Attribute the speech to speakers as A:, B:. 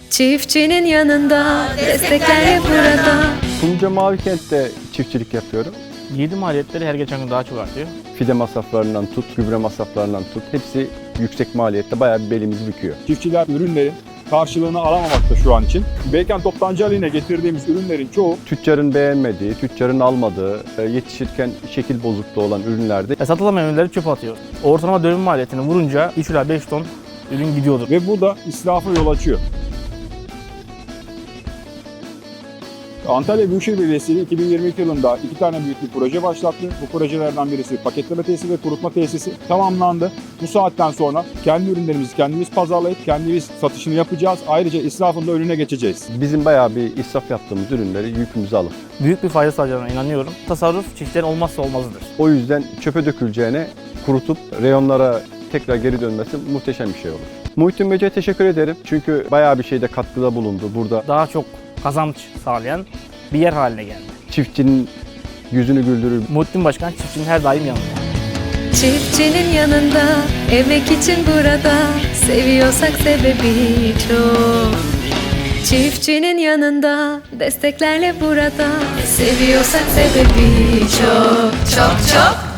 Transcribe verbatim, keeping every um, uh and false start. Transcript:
A: Çiftçinin yanında, desteklerle burada.
B: Kumluca Mavikent'te çiftçilik yapıyorum.
C: Girdi maliyetleri her geçen gün daha çok artıyor.
B: Fide masraflarından tut, gübre masraflarından tut, hepsi yüksek maliyette bayağı bir belimizi büküyor.
D: Çiftçiler ürünlerin karşılığını alamamakta şu an için. Beykent Toptancı haline getirdiğimiz ürünlerin çoğu
B: Tüccarın beğenmediği, tüccarın almadığı, e, yetişirken şekil bozukluğu olan ürünlerde
C: E, satılamayan ürünleri çöpe atıyor. Ortalama dönüm maliyetini vurunca üç ila beş ton ürün gidiyordur.
D: ve bu da israfa yol açıyor. Antalya Büyükşehir Belediyesi iki bin yirmi iki yılında iki tane büyük bir proje başlattı. Bu projelerden birisi paketleme tesisi ve kurutma tesisi tamamlandı. Bu saatten sonra kendi ürünlerimizi kendimiz pazarlayıp kendimiz satışını yapacağız. Ayrıca israfın da önüne geçeceğiz.
B: bizim bayağı bir israf yaptığımız ürünleri yükümüze alıp
C: Büyük bir fayda sağlayacağına inanıyorum. Tasarruf çiftçilerin olmazsa olmazıdır.
B: o yüzden çöpe döküleceğine kurutup reyonlara tekrar geri dönmesi muhteşem bir şey olur. Muhittin Bey'e teşekkür ederim çünkü bayağı bir şeyde katkıda bulundu. Burada
C: Daha çok kazanç sağlayan bir yer haline geldi.
B: çiftçinin yüzünü güldürür.
C: Muhittin Başkan çiftçinin her daim yanında.
A: Çiftçinin yanında, emek için burada. Seviyorsak sebebi çok. Çiftçinin yanında, desteklerle burada. Seviyorsak sebebi çok, çok, çok.